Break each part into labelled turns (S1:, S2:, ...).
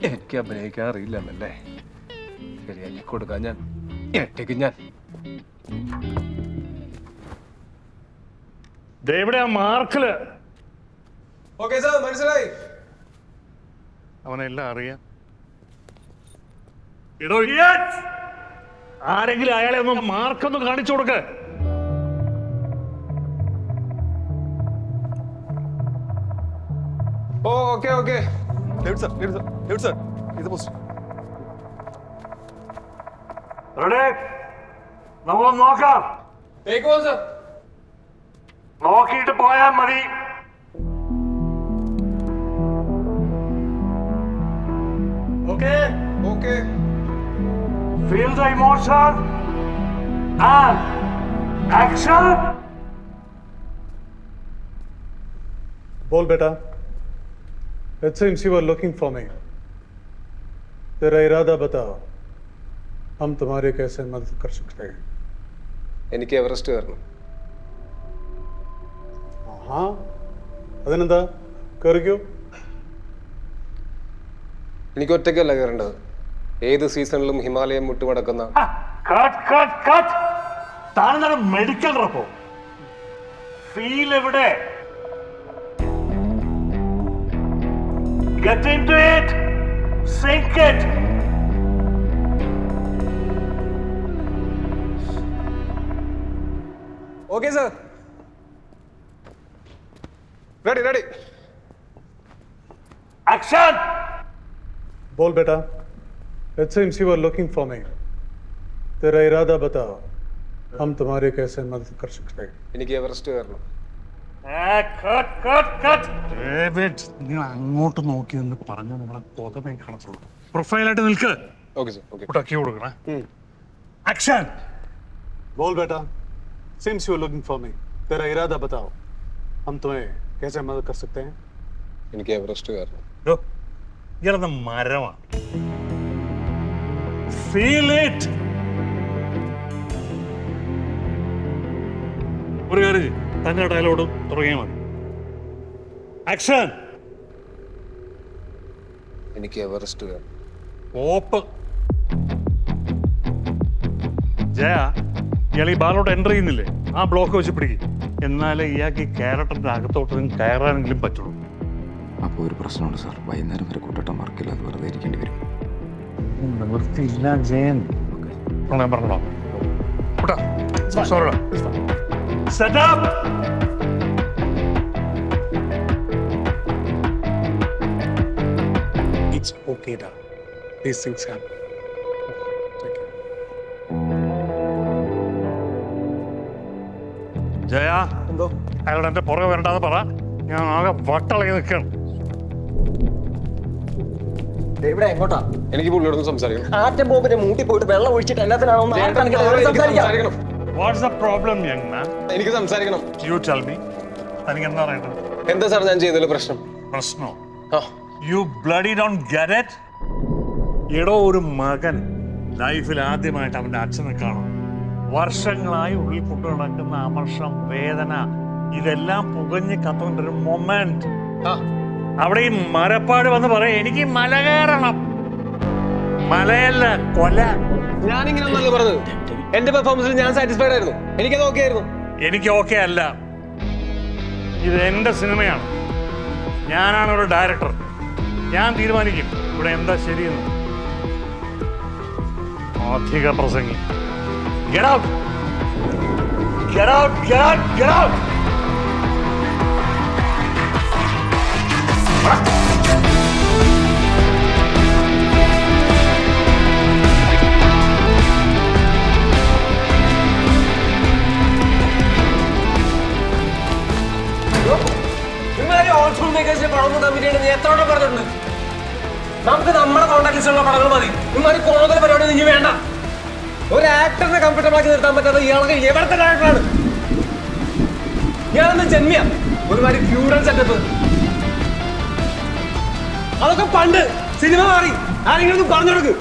S1: എനിക്ക് അഭിനയിക്കാൻ അറിയില്ലെന്നല്ലേ? ശരിയാക്കി കൊടുക്കാൻ ഞാൻ ഒറ്റയ്ക്ക് ഞാൻ.
S2: എവിടെയാ മാർക്കില്?
S1: ഓക്കേ സാർ, മനസ്സിലായി.
S2: അവനെല്ലാം അറിയാം. ആരെങ്കിലും അയാളെ ഒന്ന് മാർക്കൊന്ന് കാണിച്ചു കൊടുക്ക.
S1: Okay okay.
S2: നമുക്ക് നോക്കാം. നോക്കിയിട്ട് പോയാൽ മതി. Okay
S1: okay.
S2: Feel the emotion and action.
S3: बोल बेटा. It seems you are looking for me. तेरा इरादा बताओ. हम तुम्हारे कैसे मदद कर सकते हैं?
S1: എനിക്ക് എവറസ്റ്റ് കയറണം.
S3: हाँ. അതിനെന്താ? കയറിക്കോ.
S1: എനിക്ക് ഒറ്റയ്ക്കല്ല കയറേണ്ടത്. ഏത് സീസണിലും ഹിമാലയം മുട്ടുമടക്കുന്ന
S2: മെഡിക്കൽ റപ്പോ ഫീൽ എവിടെ? Get into it. Sink it.
S1: Okay sir. Ready.
S2: Action.
S3: बोल बेटा. It seems you are looking for me. तेरा इरादा बताओ. हम तुम्हारे कैसे मदद कर सकते हैं?
S1: എനിക്ക് എവറസ്റ്റ് കയറണം.
S2: നിങ്ങൾ അങ്ങോട്ട് നോക്കി എന്ന് പറഞ്ഞ നമ്മളെ കൊതമേ കാണത്തുള്ളൂ. പ്രൊഫൈലായിട്ട് നിൽക്ക്.
S1: Okay sir. ഓക്കെ.
S2: ഉടക്കി കൊടുക്കണേ. ആക്ഷൻ.
S3: बोल बेटा. Seems you are looking for me. तेरा इरादा बताओ. हम तुम्हें कैसे मदद कर सकते हैं?
S1: എനിക്ക് എവറസ്റ്റ് കയറണം.
S2: ഇയാളെന്ന മരമാണ്. Feel it. ഒരു കാര്യം തന്നെ ഡയലോഗ് തുടങ്ങിയാൽ മതി. ആക്ഷൻ.
S1: എനിക്ക് എവറസ്റ്റ് കയറണം.
S2: ഓപ്പ്. ജയ, ഇയാൾ ഈ ബാലോട്ട് എൻ്റർ ചെയ്യുന്നില്ലേ? ആ ബ്ലോക്ക് വെച്ച് പിടിക്കും. എന്നാലേ ഇയാൾക്ക് ഈ ക്യാരക്ടറിന്റെ അകത്തോട്ട് കയറാനെങ്കിലും പറ്റുള്ളൂ.
S4: അപ്പോൾ ഒരു പ്രശ്നമുണ്ട് സാർ. വൈകുന്നേരം വരെ കൂട്ടട്ടം വർക്കില്ല. അത് വെറുതെ ഇരിക്കേണ്ടി വരും.
S2: നിവൃത്തിയില്ല ജയൻ. ഞാൻ പറഞ്ഞോ. Set up.
S3: It's okay, da. These things happen.
S2: Jaya, എന്തോ അയാളോട് എന്റെ പുറകെ വരണ്ടാന്ന് പറ. ഞാൻ ആകെ വട്ടളകി നിൽക്കണം.
S5: ഇവിടെ എങ്ങോട്ടാ?
S1: എനിക്ക് പുള്ളിയോടൊന്ന് സംസാരിക്കണം.
S5: ആറ്റം ബോംബിന്റെ മൂട്ടി പോയിട്ട് വെള്ളം ഒഴിച്ചിട്ട് എല്ലാത്തിനാണോ?
S2: What's the problem, young man?
S1: എനിക്ക് സംസാരിക്കണം.
S2: You tell me. തനിക്ക് എന്താ പറയണ്ടത്?
S1: എന്താ സാർ ഞാൻ ചെയ്തതിൽ പ്രശ്നം?
S2: പ്രശ്നോ? You bloody don't get it? എടോ, ഒരു മകൻ ലൈഫിൽ ആദ്യമായിട്ട് അവന്റെ അച്ഛനെ കാണും. വർഷങ്ങളായി ഉള്ളിൽ കൊണ്ടു നടക്കുന്ന അമർഷം, വേദന, ഇതെല്ലാം പുകഞ്ഞ് കത്തുകൊണ്ടൊരു മൊമെന്റ്. അവിടെ ഈ മരപ്പാട് വന്ന് പറയാം, എനിക്ക് മല കയറണം. മലയല്ല, കൊല.
S1: ഞാനിങ്ങനെ ഒന്നല്ല പറഞ്ഞത്. എന്റെ പെർഫോമൻസിൽ ഞാൻ സാറ്റിസ്ഫൈഡ് ആയിരുന്നു. എനിക്കത് ഓക്കെ ആയിരുന്നു.
S2: എനിക്ക് ഓക്കെ അല്ല. ഇത് എന്റെ സിനിമയാണ്. ഞാനാണ് ഒരു ഡയറക്ടർ. ഞാൻ തീരുമാനിക്കും ഇവിടെ എന്താ ശരിയെന്ന്. അധിക പ്രസംഗി. Get out! Get out! Get out! Get out!
S5: എത്രയോടെ പറഞ്ഞിട്ടുണ്ട്. നമുക്ക് നമ്മുടെ കോൺടാക്ട് ലിസ്റ്റിലുള്ള പടങ്ങൾ മതി. ഇമാരി കൂടുതൽ പരിപാടി ഇനി വേണ്ട. ഒരു ആക്ടറിനെ കംഫർട്ടബിൾ ആക്കി നിർത്താൻ പറ്റാത്ത ഇയാൾക്ക് എവിടത്തെ ഡയറക്ടറാണ്? ഇയാളെന്ന് ജന്മിയ ഒരുമാതിരി ഫ്യൂഡൽ സെറ്റപ്പ്. അതൊക്കെ പണ്ട്. സിനിമ മാറി. ആരെങ്കിലും പറഞ്ഞു കൊടുക്ക്.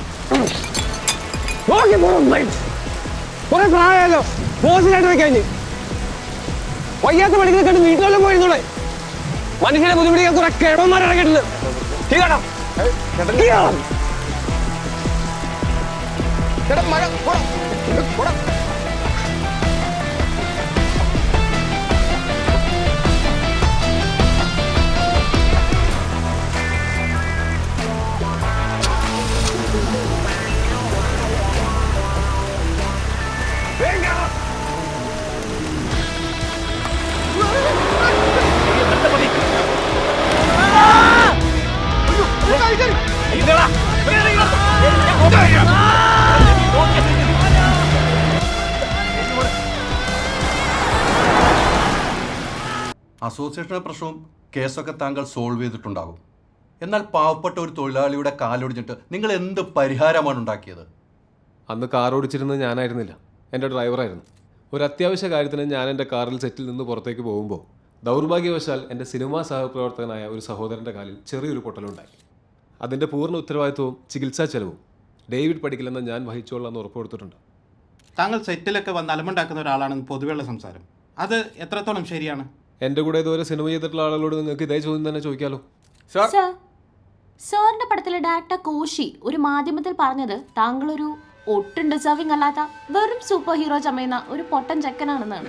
S5: കുറെ പ്രായമല്ലോ. ബോസിനായിട്ട് വെക്കാൻ വയ്യാത്ത പണികൾ കണ്ട് വീട്ടിലെല്ലാം പോയിരുന്നോളെ. മനുഷ്യനെ ബുദ്ധിമുട്ടിക്കാൻ കുറെ കിഴവന്മാരിറങ്ങിയിട്ടുണ്ട്.
S6: അസോസിയേഷൻ്റെ പ്രശ്നവും കേസൊക്കെ താങ്കൾ സോൾവ് ചെയ്തിട്ടുണ്ടാകും. എന്നാൽ പാവപ്പെട്ട ഒരു തൊഴിലാളിയുടെ കാലൊടിഞ്ഞിട്ട് നിങ്ങൾ എന്ത് പരിഹാരമാണ് ഉണ്ടാക്കിയത്?
S1: അന്ന് കാർ ഓടിച്ചിരുന്നത് ഞാനായിരുന്നില്ല, എൻ്റെ ഡ്രൈവറായിരുന്നു. ഒരു അത്യാവശ്യ കാര്യത്തിന് ഞാൻ എൻ്റെ കാറിൽ സെറ്റിൽ നിന്ന് പുറത്തേക്ക് പോകുമ്പോൾ ദൗർഭാഗ്യവശാൽ എൻ്റെ സിനിമാ സഹപ്രവർത്തകനായ ഒരു സഹോദരൻ്റെ കാലിൽ ചെറിയൊരു പൊട്ടലുണ്ടായി. അതിൻ്റെ പൂർണ്ണ ഉത്തരവാദിത്വവും ചികിത്സാ ചെലവും ഡേവിഡ് പഠിക്കില്ലെന്ന് ഞാൻ വഹിച്ചോളാം ഉറപ്പ് കൊടുത്തിട്ടുണ്ട്.
S7: താങ്കൾ സെറ്റിലൊക്കെ വന്ന് അലമ്പുണ്ടാക്കുന്ന ഒരാളാണെന്ന് പൊതുവെയുള്ള സംസാരം, അത് എത്രത്തോളം ശരിയാണ്?
S1: എൻ്റെ കൂടെ ഇതുവരെ സിനിമ ചെയ്തിട്ടുള്ള ആളുകളോട് നിങ്ങൾക്ക് ഇതേ ചോദ്യം തന്നെ ചോദിക്കാമല്ലോ.
S8: സാറിന്റെ പടത്തിലെ ഡയറക്ടർ കോശി ഒരു മാധ്യമത്തിൽ പറഞ്ഞത് താങ്കളൊരു ഒട്ടും ഡിസേർവിംഗ് അല്ലാത്ത വെറും സൂപ്പർ ഹീറോ ചമയുന്ന ഒരു പൊട്ടൻ ചെക്കനാണെന്നാണ്.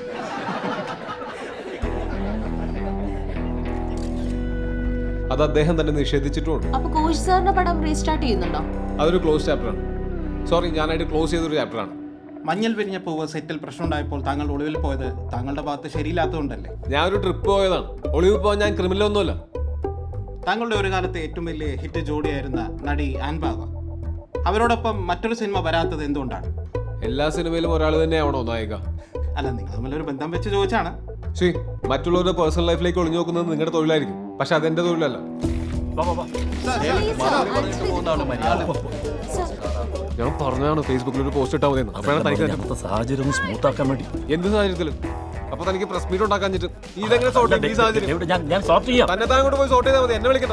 S1: അത് അദ്ദേഹം തന്നെ നിഷേധിച്ചിട്ടുമുണ്ട്.
S8: അപ്പൊ കോശി സാറിന്റെ പടം റീസ്റ്റാർട്ട് ചെയ്യുന്നുണ്ടോ?
S1: അതൊരു ക്ലോസ് ചാപ്റ്ററാണ്. സോറി, ഞാനായിട്ട് ക്ലോസ് ചെയ്തൊരു ചാപ്റ്ററാണ്.
S7: മഞ്ഞൾ വിരിഞ്ഞ പൂവ് സെറ്റിൽ പ്രശ്നം ഉണ്ടായപ്പോൾ താങ്കൾ ഒളിവിൽ പോയത് താങ്കളുടെ ഭാഗത്ത് ശരിയില്ലാത്തതുകൊണ്ടല്ലേ?
S1: ഞാൻ ഒരു ട്രിപ്പ് പോയതാണ്. ഒളിവിൽ പോകാൻ ഞാൻ ക്രിമിനലൊന്നുമല്ല.
S7: താങ്കളുടെ ഒരു കാലത്തെ ഏറ്റവും വലിയ ഹിറ്റ് ജോഡിയായിരുന്ന നടി ആൻബാവ, അവരോടൊപ്പം മറ്റൊരു സിനിമ വരാത്തത് എന്തുകൊണ്ടാണ്?
S1: എല്ലാ സിനിമയിലും ഒരാൾ തന്നെയാവണോ നായിക?
S7: അല്ല, നിങ്ങൾ തമ്മിലൊരു ബന്ധം വെച്ച് ചോദിച്ചാണ്.
S1: ശരി, മറ്റുള്ളവരുടെ പേഴ്സണൽ ലൈഫിലേക്ക് ഒളിഞ്ഞു നോക്കുന്നത് നിങ്ങളുടെ തൊഴിലായിരിക്കും, പക്ഷെ അതെന്റെ തൊഴിലല്ല. ഞാൻ പറഞ്ഞതാണ് ഫേസ്ബുക്കിൽ ഒരു പോസ്റ്റ് ഇട്ടാൽ മതി. അപ്പോഴാണ്
S9: സാഹചര്യം സ്മൂത്ത് ആക്കാൻ വേണ്ടി.
S1: എന്ത് സാഹചര്യത്തിലും? അപ്പൊ തനിക്ക് പ്രസ് മീറ്റ് ഉണ്ടാക്കാൻ പറ്റും. ഇതെങ്ങനെ സോർട്ട് ചെയ്യും? ഈ സാഹചര്യം
S9: ഞാൻ സോർട്ട് ചെയ്യാം.
S1: തന്നെ താൻ കൊണ്ട് പോയി സോർട്ട് ചെയ്താൽ മതി, എന്നെ വിളിക്കണ്ട.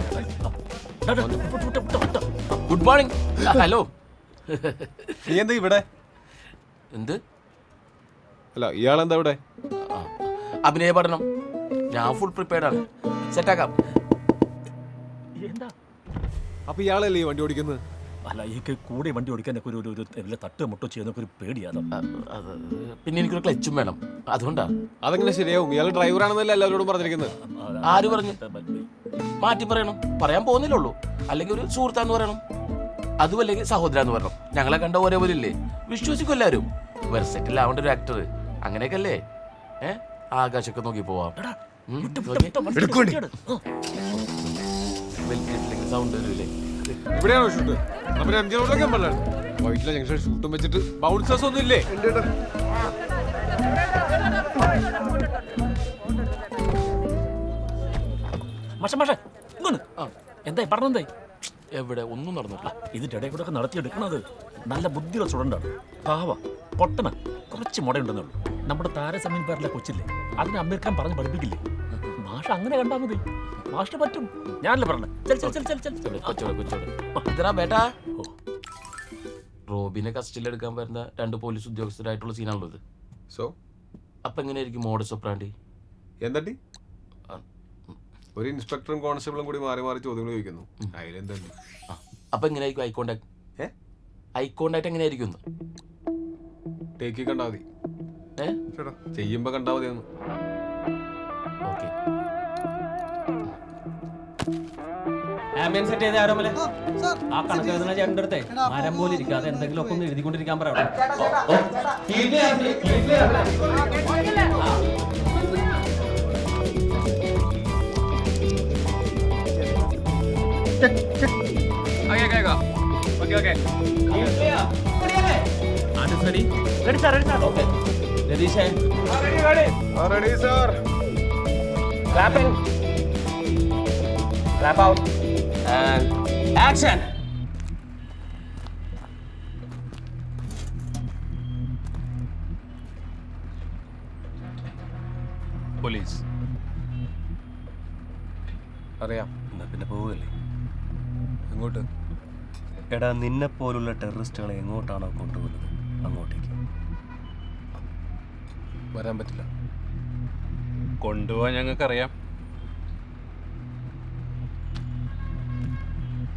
S9: Good morning. ഹലോ.
S1: നീ എന്താ ഇവിടെ?
S9: എന്ത്?
S1: അല്ല, ഇയാളെന്താ ഇവിടെ?
S9: അഭിനയ പഠനം. ഞാൻ ഫുൾ പ്രിപ്പയർഡ് ആണ്, സെറ്റാക്കാം. എന്താ?
S1: അപ്പൊ ഇയാളല്ലേ ഈ വണ്ടി ഓടിക്കുന്നത്?
S9: അല്ല, ഈ കൂടെ വണ്ടി ഓടിക്കാനൊക്കെ ഒരു തട്ട് മുട്ടോ ചെയ്യുന്നൊക്കെ ഒരു പേടിയാണ്. പിന്നെ എനിക്കൊരു ക്ലച്ചും വേണം, അതുകൊണ്ടാ.
S1: അതെങ്ങനെ ശരിയാവും? ഇയാൾ ഡ്രൈവറാണെന്നല്ല എല്ലാവരോടും പറഞ്ഞിരിക്കുന്നത്.
S9: ആര് പറഞ്ഞു? മാറ്റി പറയണം. പറയാൻ പോകുന്നില്ലുള്ളൂ. അല്ലെങ്കിൽ ഒരു സുഹൃത്താന്ന് പറയണം, അതും അല്ലെങ്കിൽ സഹോദരാന്ന് പറയണം. ഞങ്ങളെ കണ്ട ഒരേപോലെ ഇല്ലേ? വിശ്വസിക്കും എല്ലാവരും. വെർസെറ്റിൽ ആവേണ്ട ഒരു ആക്ടർ, അങ്ങനെയൊക്കെ അല്ലേ? ആകാശമൊക്കെ നോക്കി പോവാം. സൗണ്ട് വരില്ലേ?
S1: ഇവിടെയാണോ ഷൂട്ട്? നമ്മുടെ എം ജി റോഡിലൊക്കെ വൈറ്റിലെ ജംഗ്ഷൻ ഷൂട്ടും വെച്ചിട്ട് ബൗൺസേഴ്സ് ഒന്നും ഇല്ലേ?
S9: എന്തായി പറഞ്ഞെന്തായി? എവിടെ ഒന്നും നടന്നിട്ടില്ല. ഇതിന്റെ ഇടയിൽ കൂടെ നടത്തിയെടുക്കണത് നല്ല ബുദ്ധിയുള്ള സ്റ്റുഡൻ്റാണ്. പാവ പൊട്ടന, കുറച്ച് മുടയുണ്ടെന്നുള്ളൂ. നമ്മുടെ താരസമീൻ പേരിലെ കൊച്ചില്ലേ, അതിനെ അമീർ ഖാൻ പറഞ്ഞ് പഠിപ്പിക്കില്ലേ? മാഷ അങ്ങനെ കണ്ടാൽ മതി, മാഷിന് പറ്റും. ഞാനല്ലേ പറഞ്ഞത്. റോബിനെ കസ്റ്റഡിയിൽ എടുക്കാൻ വരുന്ന 2 പോലീസ് ഉദ്യോഗസ്ഥരായിട്ടുള്ള സീനാണല്ലോ ഇത്.
S1: സോ
S9: അപ്പൊ എങ്ങനെയായിരിക്കും മോഡസ് ഓപ്പറാൻഡി?
S1: എന്തടി? ഒരു ഇൻസ്പെക്ടറും കോൺസ്റ്റബിളും കൂടി മാറി മാറി ചോദ്യങ്ങൾ ചോദിക്കുന്നു. അതിലെന്താ?
S9: അപ്പൊ എങ്ങനെയായിരിക്കും ഐ കോണ്ടാക്ട്? ഐ കോണ്ടാക്ട് എങ്ങനെയായിരിക്കും?
S1: ടേക്കി കണ്ടാ മതി, ചെയ്യുമ്പോ കണ്ടാ മതി.
S9: ഓക്കെ.
S5: ആംബിയൻസ് സെറ്റ് ചെയ്ത ആരോമല്ലേ? ആ കണക്ക് എഴുതുന്ന ചേട്ടൻ്റെ അടുത്തേ മരം പോലെ ഇരിക്കാതെ എന്തെങ്കിലും ഒക്കെ ഒന്ന് എഴുതിക്കൊണ്ടിരിക്കാൻ പറയാം. രതീഷേ, clap in, clap out, and action.
S1: Police അറിയാം.
S10: എന്നാ പിന്നെ പോവുകയല്ലേ?
S1: എങ്ങോട്ട്?
S10: എടാ, നിന്നെ പോലുള്ള ടെററിസ്റ്റുകളെ എങ്ങോട്ടാണോ കൊണ്ടുപോകുന്നത് അങ്ങോട്ടേക്ക്.
S1: വരാൻ പറ്റില്ല.
S10: കൊണ്ടുപോകാൻ ഞങ്ങൾക്കറിയാം.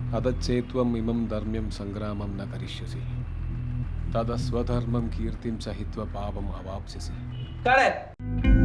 S1: അതച്ചേത്വം ഇമം ധർമ്മ്യം സംഗ്രാമം ന കരിഷ്യസി തദസ്വധർമ്മം കീർത്തിം സഹിത്വ പാപം അവാപ്സ്യസി.